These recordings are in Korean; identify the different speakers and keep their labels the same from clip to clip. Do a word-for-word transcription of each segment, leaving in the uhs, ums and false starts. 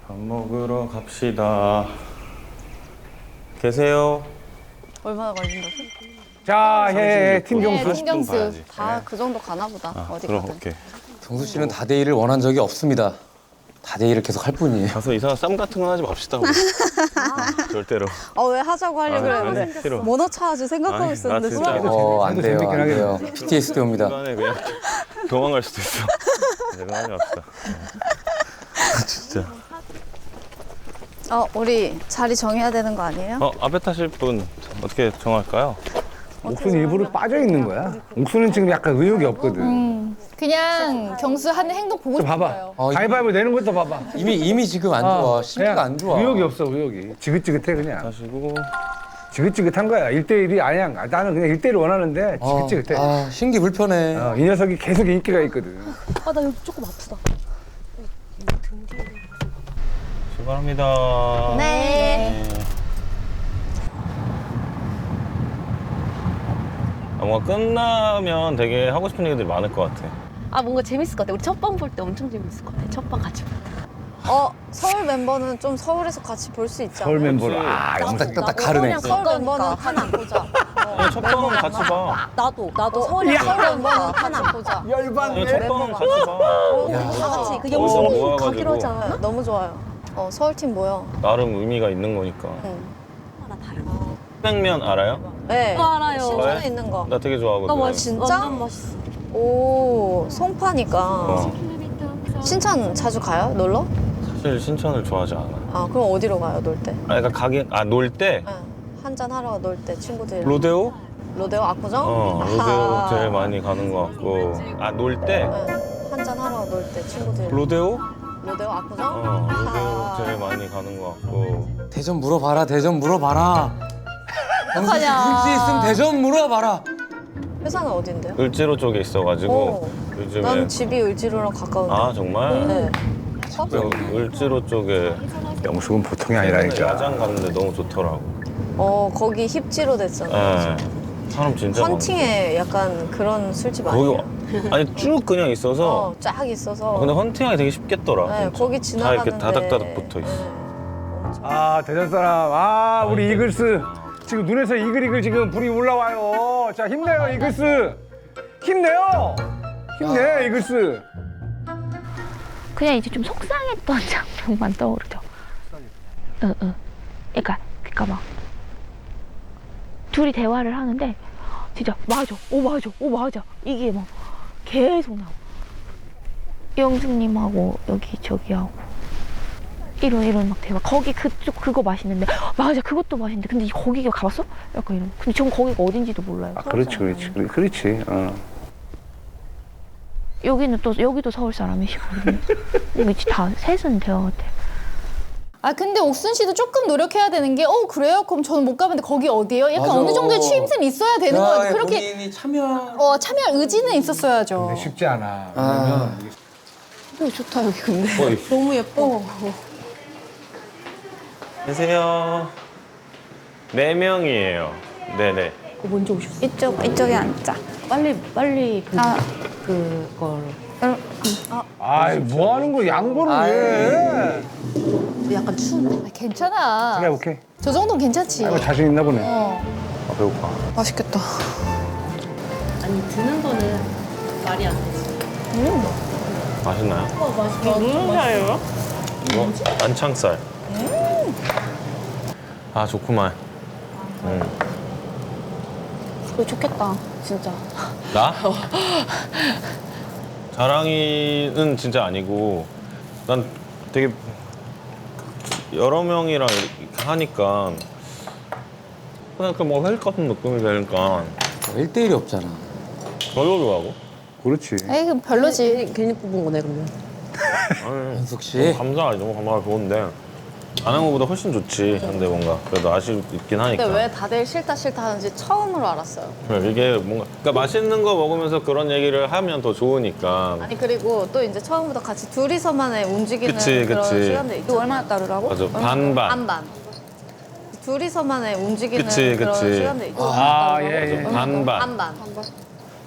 Speaker 1: 밥 먹으러 갑시다. 계세요?
Speaker 2: 얼마나 걸린다고?
Speaker 3: 자, 예, 팀
Speaker 2: 네,
Speaker 3: 경수.
Speaker 2: 팀경수.
Speaker 1: 가야지.
Speaker 2: 다 그 정도 가나 보다.
Speaker 1: 아,
Speaker 2: 어디
Speaker 1: 그럼
Speaker 2: 가든.
Speaker 1: 오케이.
Speaker 4: 경수 씨는 다대일을 원한 적이 없습니다. 다대일을 계속 할 뿐이에요.
Speaker 1: 가서 이상한 쌈 같은 거 하지 맙시다. 우리. 절대로.
Speaker 2: 어, 왜 하자고 하려고
Speaker 1: 아,
Speaker 2: 그랬는데
Speaker 1: 아니, 싫어.
Speaker 2: 뭐 넣자 아주 생각하고
Speaker 1: 아니,
Speaker 2: 있었는데
Speaker 1: 나 진짜.
Speaker 2: 순간-
Speaker 4: 어, 안 돼요,
Speaker 3: 재밌긴
Speaker 4: 안 돼요. 피티에스디 옵니다.
Speaker 1: 중간에 그냥 도망갈 수도 있어. 내가 하지 맙시다. 아, 진짜.
Speaker 2: 어, 우리 자리 정해야 되는 거 아니에요?
Speaker 1: 어, 앞에 타실 분 어떻게 정할까요?
Speaker 3: 옥수는 일부러 빠져 있는 거야. 옥수는 지금 약간 의욕이 없거든.
Speaker 5: 그냥 경수 하는 행동 보고
Speaker 3: 좀 봐봐.
Speaker 5: 싶어요.
Speaker 4: 어,
Speaker 3: 가위바위보 내는 것도 봐봐.
Speaker 4: 이미 이미 지금 안 좋아. 심리가
Speaker 3: 그냥
Speaker 4: 안 좋아.
Speaker 3: 의욕이 없어, 의욕이. 지긋지긋해, 그냥.
Speaker 1: 타시고.
Speaker 3: 지긋지긋한 거야. 일대일이 아니야. 나는 그냥 일대일을 원하는데
Speaker 4: 어,
Speaker 3: 지긋지긋해.
Speaker 4: 아, 신기 불편해.
Speaker 3: 어, 이 녀석이 계속 인기가 있거든.
Speaker 2: 아, 나 여기 조금 아프다.
Speaker 1: 출발합니다.
Speaker 2: 네.
Speaker 1: 아, 뭔가 끝나면 되게 하고 싶은 얘기들이 많을 것 같아.
Speaker 6: 아 뭔가 재밌을 것 같아. 우리 첫 방 볼 때 엄청 재밌을 것 같아. 첫 방 같이 볼 때.
Speaker 2: 어, 서울 멤버는 좀 서울에서 같이 볼 수 있잖아요.
Speaker 3: 서울 멤버를. 아,
Speaker 4: 딱,
Speaker 3: 영상.
Speaker 4: 딱, 딱 가르네.
Speaker 2: 서울 멤버는 하나 보자.
Speaker 1: 그냥 첫 방은 같이 봐.
Speaker 6: 나도 나도
Speaker 2: 서울 멤버는 하나 보자.
Speaker 1: 그냥 첫 방은 같이 봐.
Speaker 6: 다 같이 그
Speaker 1: 어,
Speaker 6: 영수
Speaker 1: 모아가지고.
Speaker 6: 가기로 하지 않았나?
Speaker 2: 네, 너무 좋아요. 어, 서울팀 모여.
Speaker 1: 나름 의미가 있는 거니까.
Speaker 6: 하나 다른.
Speaker 1: 냉면 알아요?
Speaker 2: 네.
Speaker 6: 어, 알아요.
Speaker 2: 신촌에 있는 거.
Speaker 1: 나 되게 좋아하거든.
Speaker 2: 나 진짜?
Speaker 6: 완전 맛있어.
Speaker 2: 오, 송파니까.
Speaker 1: 어,
Speaker 2: 신천 자주 가요? 놀러?
Speaker 1: 사실 신천을 좋아하지 않아.
Speaker 2: 아, 그럼 어디로 가요, 놀 때?
Speaker 1: 아, 그러니까 가긴 아 놀 때
Speaker 2: 네. 한잔 하러 놀 때 친구들이랑.
Speaker 1: 로데오?
Speaker 2: 로데오 압구정?
Speaker 1: 어, 로데오
Speaker 2: 아하.
Speaker 1: 제일 많이 가는 것 같고. 아, 놀 때
Speaker 2: 네. 한잔 하러 놀 때 친구들이랑.
Speaker 1: 로데오?
Speaker 2: 로데오 압구정?
Speaker 1: 어, 로데오
Speaker 2: 아하.
Speaker 1: 제일 많이 가는 것 같고.
Speaker 4: 대전 물어봐라, 대전 물어봐라. 경수 씨 눈치 있으면 대전 물어봐라.
Speaker 2: 회사는 어딘데요?
Speaker 1: 을지로 쪽에 있어가지고
Speaker 2: 오.
Speaker 1: 요즘에.
Speaker 2: 난 집이 을지로랑 가까운데.
Speaker 1: 아, 정말?
Speaker 2: 네.
Speaker 1: 그 을지로 쪽에
Speaker 3: 영숙은 보통이 아니라니까.
Speaker 1: 야장 갔는데 너무 좋더라고.
Speaker 2: 어, 거기 힙지로 됐잖아요.
Speaker 1: 네. 사람 진짜 많아.
Speaker 2: 헌팅에 약간 그런 술집
Speaker 1: 거기
Speaker 2: 아니에요?
Speaker 1: 와- 아니 쭉 그냥 있어서.
Speaker 2: 어, 쫙 있어서.
Speaker 1: 아, 근데 헌팅하기 되게 쉽겠더라.
Speaker 2: 네,
Speaker 1: 진짜.
Speaker 2: 거기
Speaker 1: 다
Speaker 2: 지나가는데.
Speaker 1: 이렇게 다닥다닥 붙어 있어.
Speaker 2: 네.
Speaker 3: 아, 대전 사람. 아, 우리 이글스. 지금 눈에서 이글이글 지금 불이 올라와요. 자, 힘내요, 이글스. 힘내요. 힘내, 이글스.
Speaker 7: 그냥 이제 좀 속상했던 장면만 떠오르죠. 응, 응. 그러니까, 그러니까 막 둘이 대화를 하는데 진짜 맞아, 오 맞아, 오 맞아 이게 막 계속 나와. 영숙님하고 여기 저기하고 이런 이런 막 대화. 거기 그쪽 그거 맛있는데 맞아 그것도 맛있는데 근데 거기 가봤어? 약간 이런. 근데 전 거기가 어딘지도 몰라요.
Speaker 3: 아, 그렇지, 그렇지. 그렇- 그렇지. 어.
Speaker 7: 여기는 또 여기도 서울 사람이시거든요. 여기 다 셋은 대화 같아.
Speaker 5: 아 근데 옥순 씨도 조금 노력해야 되는 게 어 그래요? 그럼 저는 못 가봤는데 거기 어디예요? 약간
Speaker 4: 맞아.
Speaker 5: 어느 정도의 추임새는 있어야 되는 거 같아요. 그렇게
Speaker 4: 본인이 참여.
Speaker 5: 어 참여할 의지는 있었어야죠.
Speaker 3: 근데 쉽지 않아.
Speaker 4: 아.
Speaker 3: 왜냐면
Speaker 2: 좋다, 여기 근데.
Speaker 1: 어이.
Speaker 2: 너무 예뻐.
Speaker 1: 계세요. 네 명이에요. 네네.
Speaker 6: 먼저 오셨어.
Speaker 2: 이쪽, 이쪽에 앉자.
Speaker 6: 빨리 빨리 그
Speaker 2: 아.
Speaker 6: 그걸
Speaker 3: 아이, 뭐 하는 거야? 양보를 왜?
Speaker 6: 약간 추운.
Speaker 5: 아, 괜찮아.
Speaker 3: 그래, 오케이.
Speaker 5: 저 정도는 괜찮지.
Speaker 3: 아이고, 자신 있나 보네.
Speaker 5: 어.
Speaker 1: 아, 배고파.
Speaker 2: 맛있겠다.
Speaker 6: 아니 드는 거는 말이 안 되지.
Speaker 1: 맛있나요?
Speaker 6: 어 맛있어. 무슨 살이에요?
Speaker 1: 이거 안창살. 아, 좋구만. 음.
Speaker 6: 그거 좋겠다. 진짜.
Speaker 1: 나? 자랑이는 진짜 아니고 난 되게 여러 명이랑 이렇게 하니까 그냥 그뭐 회식 같은 느낌이 되니까
Speaker 4: 일 대일이 없잖아.
Speaker 1: 더 좋아하고.
Speaker 3: 그렇지.
Speaker 5: 에이 그럼 별로지.
Speaker 6: 괜히, 괜히 뽑은 거네 그러면.
Speaker 1: 아니,
Speaker 4: 현숙 씨.
Speaker 1: 너무 감사하지. 너무 감사하고 좋은데 안 한 거보다 훨씬 좋지. 근데 뭔가 그래도 아쉽긴 하니까.
Speaker 2: 근데 왜 다들 싫다 싫다 하는지 처음으로 알았어요.
Speaker 1: 그래, 이게 뭔가 그러니까 맛있는 거 먹으면서 그런 얘기를 하면 더 좋으니까.
Speaker 2: 아니 그리고 또 이제 처음부터 같이 둘이서만의 움직이는
Speaker 1: 그치,
Speaker 2: 그런
Speaker 1: 그치.
Speaker 2: 시간들 있죠. 얼마나 따르라고?
Speaker 1: 맞아, 반반.
Speaker 2: 반반. 둘이서만의 움직이는
Speaker 1: 그치,
Speaker 2: 그런
Speaker 1: 그치.
Speaker 2: 시간들 있죠.
Speaker 3: 아, 예, 예.
Speaker 1: 반반.
Speaker 2: 반반.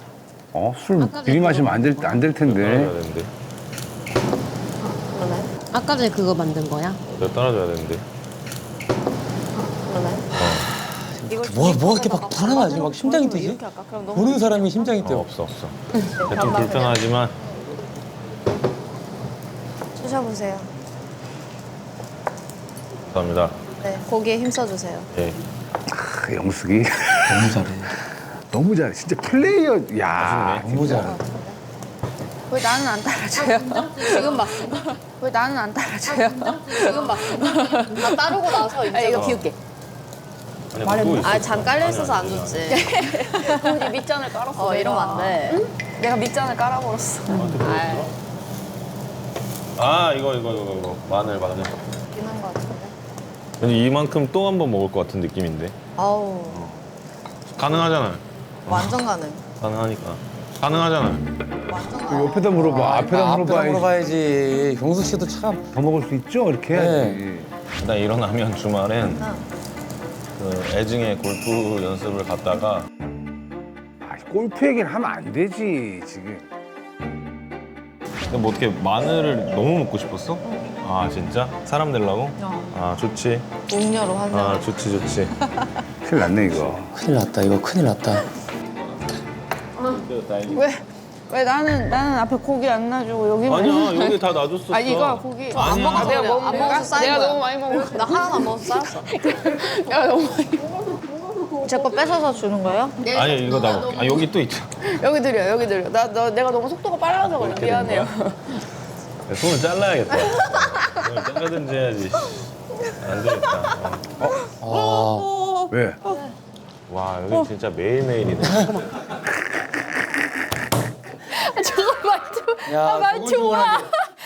Speaker 3: 어, 술 미리 마시면 안 될, 안 될 텐데.
Speaker 1: 해야 되는데.
Speaker 2: 그러네.
Speaker 6: 아까 전에 그거 만든 거야?
Speaker 1: 내가 따라줘야 되는데.
Speaker 4: 뭐, 뭐 이렇게 막 불안하지? 막 심장이 뛰지? 보는 사람이 심장이
Speaker 1: 어,
Speaker 4: 뛰어.
Speaker 1: 없어 없어. 근데 좀 불편하지만
Speaker 2: 드셔보세요.
Speaker 1: 감사합니다.
Speaker 2: 네, 고기에 힘써주세요.
Speaker 1: 예.
Speaker 3: 크, 영숙이
Speaker 4: 너무 잘해.
Speaker 3: 너무 잘해. 진짜 플레이어. 야.
Speaker 4: 너무 잘해.
Speaker 2: 왜 나는 안 따라줘요? 지금 봤어. 왜 나는 안 따라줘요? 지금 봤어. 나 따르고 나서 이제.
Speaker 5: 이거 비울게.
Speaker 1: 아니 말해.
Speaker 2: 아, 잔 깔려 있어서 안 좋지.
Speaker 5: 우리 밑잔을 깔았어.
Speaker 2: 어, 이러면 안 돼.
Speaker 5: 내가 밑잔을 깔아버렸어.
Speaker 1: 아 이거 이거 이거 이거 마늘 마늘.
Speaker 2: 비난 거 같은데.
Speaker 1: 근데 이만큼 또 한 번 먹을 것 같은 느낌인데.
Speaker 2: 아우,
Speaker 1: 가능하잖아요.
Speaker 2: 완전 가능.
Speaker 1: 가능하니까. 가능하잖아요.
Speaker 2: 완전
Speaker 3: 그
Speaker 2: 가능.
Speaker 3: 옆에다 물어봐. 앞에다
Speaker 4: 아, 앞에다
Speaker 3: 물어봐야지.
Speaker 4: 물어봐야지. 경숙 씨도 참.
Speaker 3: 더 먹을 수 있죠? 이렇게 해야지.
Speaker 1: 일단 일어나면 주말엔 그 애증의 골프 연습을 갔다가
Speaker 3: 아, 골프 얘기는 하면 안 되지 지금.
Speaker 1: 근데 뭐 어떻게 마늘을 너무 먹고 싶었어? 아 진짜? 사람 되려고? 아 좋지.
Speaker 2: 음료로 하려고.
Speaker 1: 아 좋지 좋지.
Speaker 3: 큰일 났네 이거.
Speaker 4: 큰일 났다. 이거 큰일 났다.
Speaker 2: 왜? 왜 나는 나는 앞에 고기 안 놔주고 여기만.
Speaker 1: 아니야 여기 다 놔줬었어.
Speaker 5: 아 이거 고기.
Speaker 2: 안 먹어서
Speaker 5: 내가
Speaker 2: 그래.
Speaker 5: 먹은
Speaker 2: 안
Speaker 5: 거야?
Speaker 2: 먹어서 쌓인
Speaker 5: 내가
Speaker 2: 거야.
Speaker 5: 너무 많이 먹어.
Speaker 2: 나 하나도 안 먹어서 쌓였어.
Speaker 5: 내가 너무 많이.
Speaker 2: 제 거 뺏어서 주는 거예요?
Speaker 1: 아니 이거 나 먹게. 아 여기 또 있잖아.
Speaker 5: 여기 드려 여기 드려. 나 너 내가 너무 속도가 빨라서 그래. 미안해요.
Speaker 1: 야, 손을 잘라야겠다. 손을 잘라든지 해야지. 안 되겠다. 어.
Speaker 4: 아,
Speaker 3: 왜?
Speaker 1: 와 여기 진짜 매일매일이네.
Speaker 5: 저거 말투.
Speaker 4: 야,
Speaker 5: 아, 말투 와.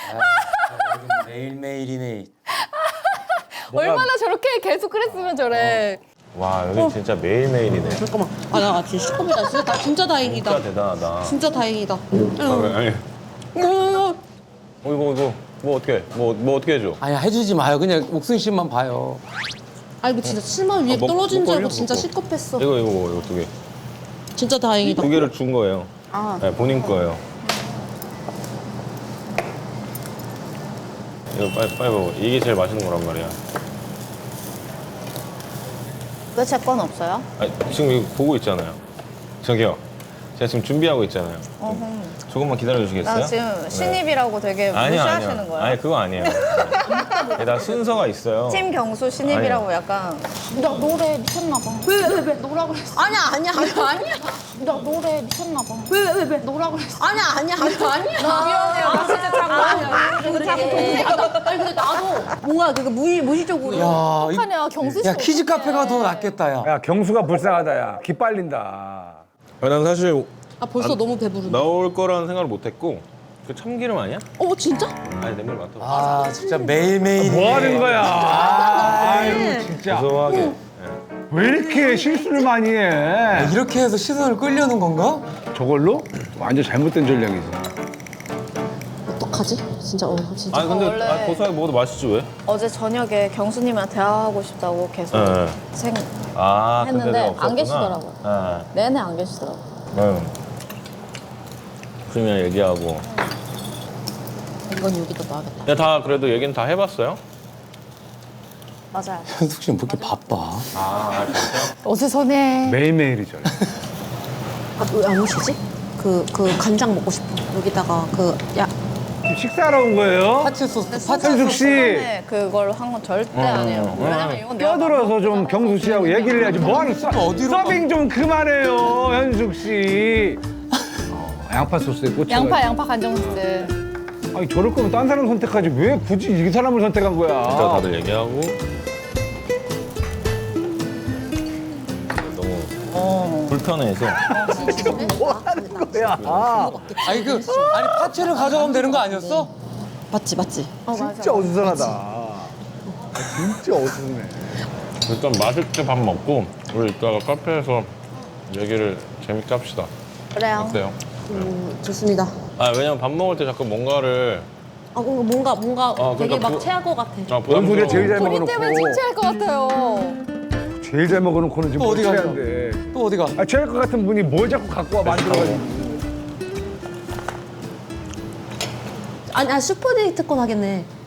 Speaker 4: 매일매일이네.
Speaker 5: 얼마나 저렇게 계속 그랬으면 저래.
Speaker 1: 와 여기 진짜 매일매일이네.
Speaker 6: 잠깐만. 아, 나 진짜 시커멓다. 진짜, 나 진짜 다행이다.
Speaker 1: 진짜 대단하다.
Speaker 6: 진짜 다행이다.
Speaker 1: 아, 왜, 아니. 어 이거 이거 뭐 어떻게 뭐 뭐 어떻게 해줘?
Speaker 4: 아니, 해주지 마요. 그냥 옥순 씨만 봐요.
Speaker 6: 아, 이거 진짜 치마 위에
Speaker 1: 아, 먹-
Speaker 6: 떨어진 줄 알고
Speaker 1: 먹고
Speaker 6: 진짜
Speaker 1: 먹고.
Speaker 6: 시겁했어.
Speaker 1: 이거 이거 뭐 이거 두 개.
Speaker 6: 진짜 다행이다.
Speaker 1: 두 개를 준 거예요.
Speaker 2: 아.
Speaker 1: 네, 본인 거예요. 이거 빨리 빨리 먹어. 이게 제일 맛있는 거란 말이야.
Speaker 2: 왜 제 건 없어요?
Speaker 1: 아, 지금 이거 보고 있잖아요. 저기요. 제가 지금 준비하고 있잖아요.
Speaker 2: 어흥.
Speaker 1: 조금만 기다려 주시겠어요?
Speaker 2: 나 지금 신입이라고 되게
Speaker 1: 아니요,
Speaker 2: 무시하시는
Speaker 1: 아니요.
Speaker 2: 거예요?
Speaker 1: 아니 그거 아니에요. 네, 나 순서가 있어요.
Speaker 2: 팀 경수 신입이라고 약간.
Speaker 5: 나 노래 미쳤나 봐. 왜 왜 왜 노라 그랬어?
Speaker 2: 아니야 아니야 아니야 아니야.
Speaker 5: 나 노래 미쳤나 봐. 왜 왜 왜 노라 그랬어?
Speaker 2: 아니야 아니야 아니야 아니야.
Speaker 5: 미안해요. 나 진짜 장난이야.
Speaker 6: 그래. 아니, 근데 나도 뭔가 그 무의, 무의식적으로.
Speaker 4: 야, 이-
Speaker 5: 어떡하냐 경수 씨.
Speaker 4: 야, 키즈
Speaker 5: 어떡해.
Speaker 4: 카페가 더 낫겠다, 야.
Speaker 3: 야 경수가 불쌍하다 야. 기빨린다.
Speaker 1: 아, 난 사실
Speaker 6: 아, 벌써
Speaker 1: 안-
Speaker 6: 너무 배부르네.
Speaker 1: 나올 거라는 생각을 못했고 그 참기름 아니야?
Speaker 6: 어, 진짜?
Speaker 1: 아니 냄새 맡아.
Speaker 4: 아, 진짜 매일매일이네.
Speaker 3: 뭐 하는 거야? 아, 아유 진짜.
Speaker 1: 고소하게. 예.
Speaker 3: 왜 이렇게 실수를 많이 해?
Speaker 4: 이렇게 해서 시선을 끌려는 건가?
Speaker 3: 저걸로? 완전 잘못된 전략이지.
Speaker 6: 어떡하지? 진짜, 어, 진짜.
Speaker 1: 아니 근데
Speaker 2: 원래-
Speaker 1: 아, 고소하게 먹어도 맛있지 왜?
Speaker 2: 어제 저녁에 경수님이랑 대화하고 싶다고 계속
Speaker 1: 예.
Speaker 2: 생
Speaker 1: 아 근데
Speaker 2: 했는데
Speaker 1: 내가
Speaker 2: 안
Speaker 1: 없었구나.
Speaker 2: 계시더라고요.
Speaker 1: 예.
Speaker 2: 내내 안 계시더라고.
Speaker 1: 응. 그러면 얘기하고.
Speaker 6: 이건 여기다 놔야겠다.
Speaker 1: 야, 다 그래도 얘기는 다 해봤어요?
Speaker 2: 맞아요.
Speaker 4: 현숙 씨는 뭐 이렇게 바빠?
Speaker 1: 아, 진짜?
Speaker 5: 어수선해.
Speaker 3: 매일매일이죠.
Speaker 6: 아, 왜 안 오시지? 그, 그 간장 먹고 싶어. 여기다가 그, 야,
Speaker 3: 지금 식사하러 온 거예요?
Speaker 4: 파채 소스, 파채
Speaker 3: 현숙
Speaker 4: 소스.
Speaker 3: 씨
Speaker 2: 처음에 그걸 한 건 절대 아니에요. 왜냐면 이건 내가
Speaker 3: 껴들어서 좀 경수 씨하고 얘기를 해야지. 뭐하는 서,
Speaker 4: 어디로 가?
Speaker 3: 서빙 좀 그만해요, 현숙 씨. 어, 양파 소스에 꽂혀.
Speaker 5: 양파 양파 간장 소스.
Speaker 3: 아니 저럴 거면 딴 사람 선택하지 왜 굳이 이 사람을 선택한
Speaker 1: 일단
Speaker 3: 거야?
Speaker 1: 다들 얘기하고. 너무
Speaker 2: 어.
Speaker 1: 불편해서.
Speaker 3: 야, 아,
Speaker 4: 아니, 그, 아니, 파채를 가져가면 되는 거 아니었어?
Speaker 6: 맞지, 맞지?
Speaker 3: 진짜 어수선하다. 진짜 어수선해.
Speaker 1: 일단 맛있게 밥 먹고 우리 이따가 카페에서 얘기를 재밌게 합시다.
Speaker 2: 그래요.
Speaker 1: 어때요?
Speaker 6: 음, 좋습니다.
Speaker 1: 아 왜냐면 밥 먹을 때 자꾸 뭔가를
Speaker 6: 아, 뭔가, 뭔가
Speaker 1: 어,
Speaker 6: 되게
Speaker 1: 그러니까
Speaker 6: 막
Speaker 1: 부-
Speaker 6: 체할 것 같아.
Speaker 1: 아,
Speaker 3: 뭔 소리야 제일 잘
Speaker 5: 우리 때문에
Speaker 3: 먹어놓고
Speaker 5: 칭찬할 것 같아요.
Speaker 3: 제일 잘 먹어놓고는 지금
Speaker 4: 또 어디 가죠?
Speaker 3: 한데.
Speaker 4: 또 어디가?
Speaker 3: 아 취할 것 같은 분이 뭘 자꾸 갖고 와 만들어가지고.
Speaker 6: 아니, 아, 슈퍼데이트 건 하겠네.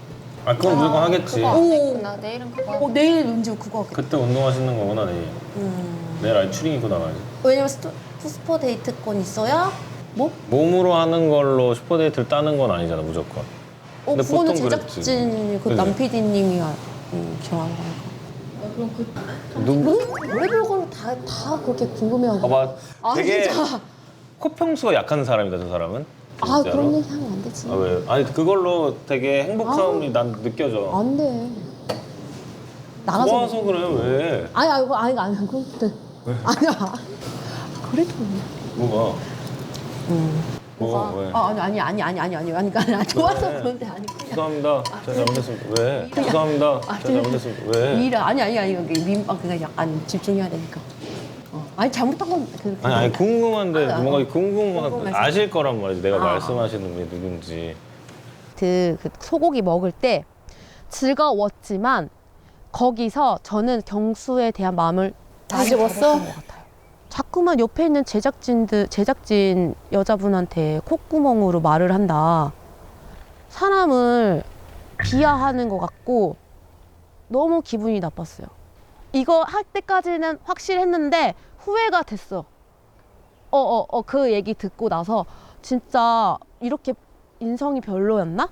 Speaker 1: 아 그건 무조건 하겠지.
Speaker 6: 오,
Speaker 2: 나 내일은 그거
Speaker 6: 어, 내일 은지 그거 하겠다.
Speaker 1: 그때 운동하시는 거구나 내일.
Speaker 6: 음.
Speaker 1: 내일 아예 추링 입고 나가야지.
Speaker 6: 왜냐면 스토, 슈퍼 데이트권 있어야 뭐?
Speaker 1: 몸으로 하는 걸로 슈퍼데이트를 따는 건 아니잖아 무조건.
Speaker 6: 어,
Speaker 1: 근데
Speaker 6: 그거는
Speaker 1: 보통 그랬지.
Speaker 6: 제작진 그
Speaker 1: 그지?
Speaker 6: 남 피디님이 음, 정하는 거니까.
Speaker 1: 누구?
Speaker 6: 별의별 걸로 다, 다 그렇게 궁금해하고.
Speaker 1: 봐봐.
Speaker 6: 아,
Speaker 1: 되게
Speaker 6: 진짜.
Speaker 1: 코평수가 약한 사람이다 저 사람은.
Speaker 6: 아,
Speaker 1: 진짜로.
Speaker 6: 그런 얘기 하면 안 되지.
Speaker 1: 아 왜? 아니 그걸로 되게 행복함이 난 느껴져.
Speaker 6: 안 돼. 나가서.
Speaker 1: 좋아서 그래 왜?
Speaker 6: 아니, 아니, 아니, 아니, 그럼 돼. 아니야. 그래도.
Speaker 1: 뭐가?
Speaker 6: 음.
Speaker 1: 뭐가 왜?
Speaker 6: 아, 아니, 아니, 아니, 아니, 아니, 아니, 아니, 그러니까 좋아서
Speaker 1: 왜?
Speaker 6: 그런데 아니.
Speaker 1: 죄송합니다. 제가 잘못했습니다. 왜? 죄송합니다.
Speaker 6: 아,
Speaker 1: 제가 잘못했습니다. 왜?
Speaker 6: 일 아니, 아니, 아니, 여기 민, 아, 그냥 약간 집중해야 되니까. 어. 아니, 잘못한 건. 그,
Speaker 1: 아니 아니 궁금한데
Speaker 6: 아,
Speaker 1: 뭔가
Speaker 6: 어.
Speaker 1: 궁금한
Speaker 6: 궁금해서.
Speaker 1: 아실 거란 말이지. 내가
Speaker 6: 아.
Speaker 1: 말씀하시는 분이 누군지.
Speaker 6: 그, 그 소고기 먹을 때 즐거웠지만 거기서 저는 경수에 대한 마음을
Speaker 5: 다 접었어?
Speaker 6: 것 같아요. 자꾸만 옆에 있는 제작진들 제작진 여자분한테 콧구멍으로 말을 한다. 사람을 비하하는 것 같고 너무 기분이 나빴어요. 이거 할 때까지는 확실했는데 후회가 됐어. 어, 어, 어, 그 얘기 듣고 나서 진짜 이렇게 인성이 별로였나?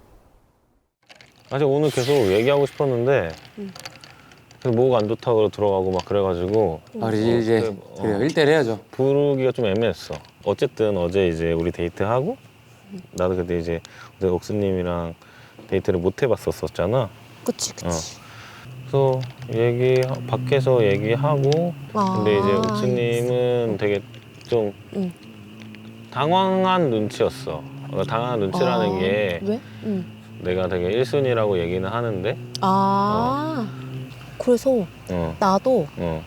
Speaker 1: 사실 오늘 계속 얘기하고 싶었는데
Speaker 6: 응.
Speaker 1: 그래서 뭐가 안 좋다고 들어가고 막 그래가지고
Speaker 4: 아, 우리 이제
Speaker 1: 그래, 어.
Speaker 4: 그래요. 일 대일 해야죠.
Speaker 1: 부르기가 좀 애매했어. 어쨌든 어제 이제 우리 데이트하고 나도 그때 이제 어제 옥수님이랑 데이트를 못 해봤었었잖아.
Speaker 6: 그치, 그치.
Speaker 1: 그래서 얘기 밖에서 얘기하고
Speaker 6: 아,
Speaker 1: 근데 이제 옥수님은 되게 좀
Speaker 6: 응.
Speaker 1: 당황한 눈치였어. 어, 당황한 눈치라는
Speaker 6: 아,
Speaker 1: 게
Speaker 6: 왜? 응.
Speaker 1: 내가 되게 일 순위라고 얘기는 하는데
Speaker 6: 아, 그래서
Speaker 1: 어,
Speaker 6: 나도
Speaker 1: 어,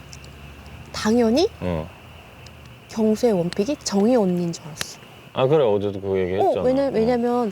Speaker 6: 당연히
Speaker 1: 어.
Speaker 6: 경수의 원픽이 정희 언니인 줄 알았어.
Speaker 1: 아 그래 어제도 그 얘기 했잖아.
Speaker 6: 어, 왜냐, 왜냐면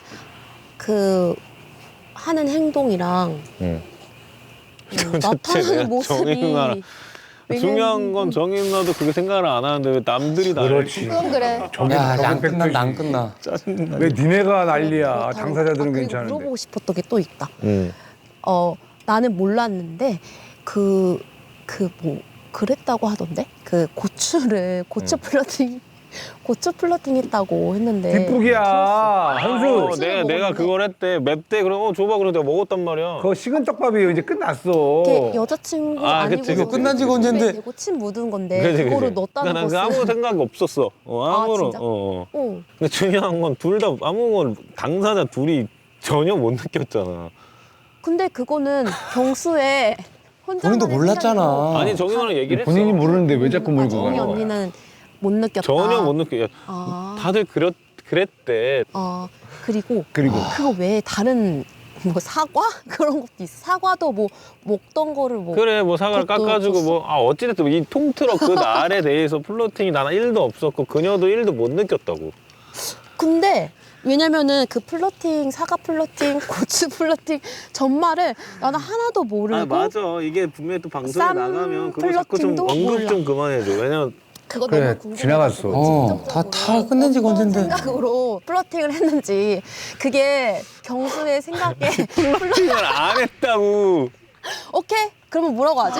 Speaker 6: 그 하는 행동이랑
Speaker 1: 응.
Speaker 6: 음,
Speaker 1: 도대체
Speaker 6: 나타나는
Speaker 1: 내가
Speaker 6: 모습이
Speaker 1: 정희 누나랑 중요한 건 정희 누나도 그렇게 생각을 안 하는데 왜 남들이 나를
Speaker 3: 그렇지.
Speaker 5: 그건 그래.
Speaker 3: 저게
Speaker 4: 야, 안
Speaker 3: 저게
Speaker 4: 끝난다, 안
Speaker 3: 팩트지.
Speaker 4: 끝나.
Speaker 1: 짜증나.
Speaker 3: 왜 니네가 난리야?
Speaker 6: 그렇다고-
Speaker 3: 당사자들은
Speaker 6: 아, 그리고
Speaker 3: 괜찮은데.
Speaker 6: 물어보고 싶었던 게 또 있다.
Speaker 1: 응.
Speaker 6: 어, 나는 몰랐는데 그 그 뭐 그랬다고 하던데 그 고추를 고추
Speaker 1: 음.
Speaker 6: 플러팅 고추 플러팅 했다고 했는데
Speaker 3: 뒷북이야.
Speaker 1: 어,
Speaker 3: 현수.
Speaker 1: 내가 내가 그걸 했대. 맵대 그래. 어 줘봐 그래 내가 먹었단 말이야.
Speaker 3: 그거 식은 떡밥이에요. 이제 끝났어.
Speaker 6: 이게 여자친구
Speaker 1: 아,
Speaker 6: 아니고
Speaker 1: 그치, 그치.
Speaker 4: 이거 끝난 지가 언젠데.
Speaker 6: 대고 침 묻은 건데
Speaker 1: 그지, 그지.
Speaker 6: 그거를 넣었다는
Speaker 1: 그러니까
Speaker 6: 것은
Speaker 1: 난 아무 생각이 없었어. 어,
Speaker 6: 아,
Speaker 1: 아무런.
Speaker 6: 진짜?
Speaker 1: 어.
Speaker 6: 어.
Speaker 1: 근데 중요한 건 둘 다 아무 건 당사자 둘이 전혀 못 느꼈잖아.
Speaker 6: 근데 그거는 경수의 혼자
Speaker 4: 본인도 몰랐잖아.
Speaker 1: 아니 정희 누나랑 얘기를 했어.
Speaker 3: 본인이 모르는데 왜 자꾸 몰고
Speaker 6: 정희
Speaker 3: 가는 거야?
Speaker 6: 언니는 못 느꼈다.
Speaker 1: 전혀 못 느껴.
Speaker 6: 아.
Speaker 1: 다들 그랬 그랬대.
Speaker 6: 어 그리고
Speaker 3: 그리고
Speaker 6: 그거 외에 다른 뭐 사과 그런 것도 있어. 사과도 뭐 먹던 거를 뭐
Speaker 1: 그래 뭐 사과를
Speaker 6: 그것도
Speaker 1: 깎아주고
Speaker 6: 줬어.
Speaker 1: 뭐 아 어찌됐든 이 통틀어 그 날에 대해서 플러팅이 나는 일도 없었고 그녀도 일도 못 느꼈다고.
Speaker 6: 근데 왜냐면은 그 플러팅 사과 플러팅 고추 플러팅 전말을 나는 하나도 모르고
Speaker 1: 아 맞아 이게 분명히 또 방송에
Speaker 6: 쌈
Speaker 1: 나가면 그거 자꾸 좀
Speaker 6: 플러팅도
Speaker 1: 언급
Speaker 6: 몰라.
Speaker 1: 좀 그만해줘. 왜냐면
Speaker 6: 그거
Speaker 3: 그래,
Speaker 6: 너무 궁금해.
Speaker 3: 지나갔어.
Speaker 4: 어, 다, 다 끝낸 지가 언젠데.
Speaker 6: 생각으로 플러팅을 했는지 그게 경수의 생각에 플러...
Speaker 1: 플러팅을 안 했다고.
Speaker 6: 오케이 그러면 뭐라고 하지?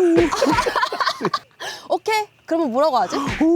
Speaker 6: 오케이 그러면 뭐라고 하지?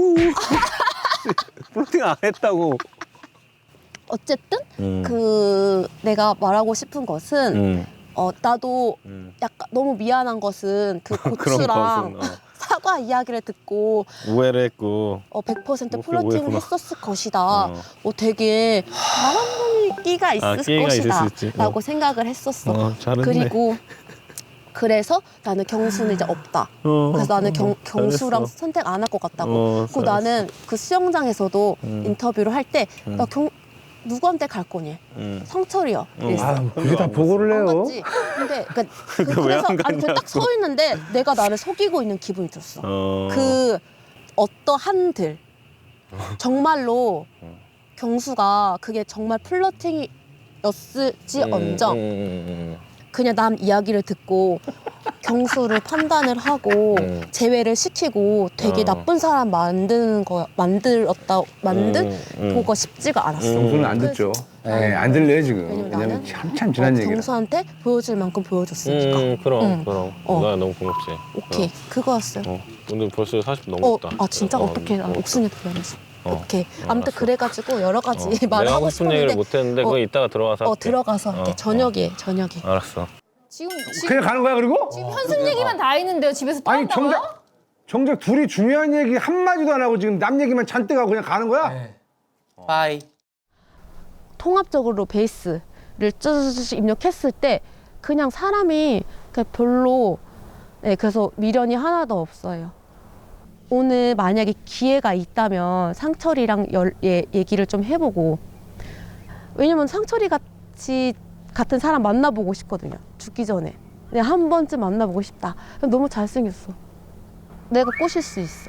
Speaker 1: 플러팅 안 했다고.
Speaker 6: 어쨌든
Speaker 1: 음.
Speaker 6: 그 내가 말하고 싶은 것은
Speaker 1: 음.
Speaker 6: 어 나도
Speaker 1: 음.
Speaker 6: 약간 너무 미안한 것은 그
Speaker 1: 그런
Speaker 6: 고추랑
Speaker 1: 것은, 어.
Speaker 6: 사과 이야기를 듣고
Speaker 1: 우회를 했고.
Speaker 6: 어 백 퍼센트
Speaker 1: 뭐,
Speaker 6: 플러팅을
Speaker 1: 오해구나.
Speaker 6: 했었을 것이다.
Speaker 1: 어.
Speaker 6: 어 되게 바람 끼가 있을
Speaker 1: 아, 끼가 있을
Speaker 6: 것이다.
Speaker 1: 수 있지. 어.
Speaker 6: 라고 생각을 했었어.
Speaker 1: 어, 잘했네.
Speaker 6: 그리고 그래서 나는 경수는 이제 없다.
Speaker 1: 어.
Speaker 6: 그래서 나는 경,
Speaker 1: 어,
Speaker 6: 경수랑
Speaker 1: 잘했어.
Speaker 6: 선택 안 할 것 같다고.
Speaker 1: 어,
Speaker 6: 그리고
Speaker 1: 잘했어.
Speaker 6: 나는 그 수영장에서도
Speaker 1: 음.
Speaker 6: 인터뷰를 할 때
Speaker 1: 음.
Speaker 6: 나 경 누구한테 갈 거니?
Speaker 1: 음.
Speaker 6: 성철이요. 이랬어.
Speaker 3: 아, 그게 다 보고를
Speaker 6: 안
Speaker 3: 해요.
Speaker 6: 갔지. 근데 그, 그,
Speaker 1: 그거 왜안
Speaker 6: 그래서 아니
Speaker 1: 갔냐고.
Speaker 6: 딱 서 있는데 내가 나를 속이고 있는 기분이 들었어.
Speaker 1: 어.
Speaker 6: 그 어떠한들 정말로
Speaker 1: 음.
Speaker 6: 경수가 그게 정말 플러팅이었을지언정
Speaker 1: 음, 음, 음,
Speaker 6: 그냥 남 이야기를 듣고 경수를 판단을 하고
Speaker 1: 음.
Speaker 6: 제외를 시키고 되게
Speaker 1: 어.
Speaker 6: 나쁜 사람 만드는 거 만들었다 만든
Speaker 1: 음, 음.
Speaker 6: 그거 쉽지가 않았어.
Speaker 1: 음.
Speaker 3: 경수는 안 듣죠. 네, 안 들려요 지금.
Speaker 6: 왜냐면
Speaker 3: 왜냐면
Speaker 6: 나는
Speaker 3: 한참 지난
Speaker 6: 어,
Speaker 3: 얘기라.
Speaker 6: 경수한테 보여줄 만큼 보여줬으니까.
Speaker 1: 음, 그럼,
Speaker 6: 응.
Speaker 1: 그럼.
Speaker 6: 어.
Speaker 1: 나 너무 고맙지.
Speaker 6: 오케이 그거였어요.
Speaker 1: 어. 어. 근데 벌써 사십
Speaker 6: 어,
Speaker 1: 넘었다.
Speaker 6: 아 진짜
Speaker 1: 어,
Speaker 6: 어떻게 난
Speaker 1: 어.
Speaker 6: 옥순이한테 미안해서.
Speaker 1: 어.
Speaker 6: 오케이.
Speaker 1: 어,
Speaker 6: 아무튼
Speaker 1: 알았어.
Speaker 6: 그래가지고 여러 가지
Speaker 1: 어.
Speaker 6: 말을
Speaker 1: 내가
Speaker 6: 하고
Speaker 1: 하고 싶은 얘기를
Speaker 6: 싶었는데
Speaker 1: 못 했는데
Speaker 6: 어,
Speaker 1: 그거 이따가 들어가서
Speaker 6: 어
Speaker 1: 할게.
Speaker 6: 들어가서 할게.
Speaker 1: 어,
Speaker 6: 저녁에 저녁에.
Speaker 1: 어. 알았어.
Speaker 5: 지금 지금,
Speaker 3: 그냥 가는 거야 그리고?
Speaker 5: 지금 현숙 얘기만 다 했는데요. 집에서 또
Speaker 3: 아니
Speaker 5: 한다고요?
Speaker 3: 정작 정작 둘이 중요한 얘기 한 마디도 안 하고 지금 남 얘기만 잔뜩 하고 그냥 가는 거야?
Speaker 4: 네. 빠이.
Speaker 6: 통합적으로 베이스를 쭈쭈쭈 입력했을 때 그냥 사람이 그냥 별로 네 그래서 미련이 하나도 없어요. 오늘 만약에 기회가 있다면 상철이랑 열, 예, 얘기를 좀 해보고 왜냐면 상철이 같이 같은 사람 만나보고 싶거든요. 죽기 전에 그냥 한 번쯤 만나보고 싶다. 너무 잘생겼어. 내가 꼬실 수 있어.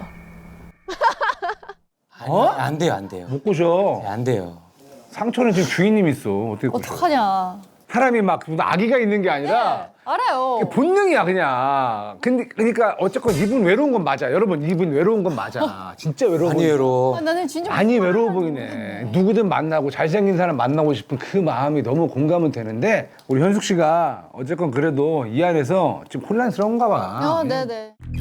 Speaker 4: 아니,
Speaker 3: 어?
Speaker 4: 안 돼요, 안 돼요.
Speaker 3: 못 꼬셔.
Speaker 4: 네, 안 돼요.
Speaker 3: 상처는 지금 주인님 있어. 어떻게 꼬셔?
Speaker 5: 어떡하냐.
Speaker 3: 사람이 막 아기가 있는 게 아니라
Speaker 5: 알아요.
Speaker 3: 그게 본능이야 그냥. 근데 그러니까 어쨌건 이분 외로운 건 맞아. 여러분 이분 외로운 건 맞아. 진짜 외로워.
Speaker 4: 많이
Speaker 3: 보이네.
Speaker 4: 외로워.
Speaker 5: 아, 나는 진짜
Speaker 3: 많이 외로워 보이네. 누구든 만나고 잘생긴 사람 만나고 싶은 그 마음이 너무 공감은 되는데 우리 현숙 씨가 어쨌건 그래도 이 안에서 좀 혼란스러운가 봐.
Speaker 5: 아, 네네.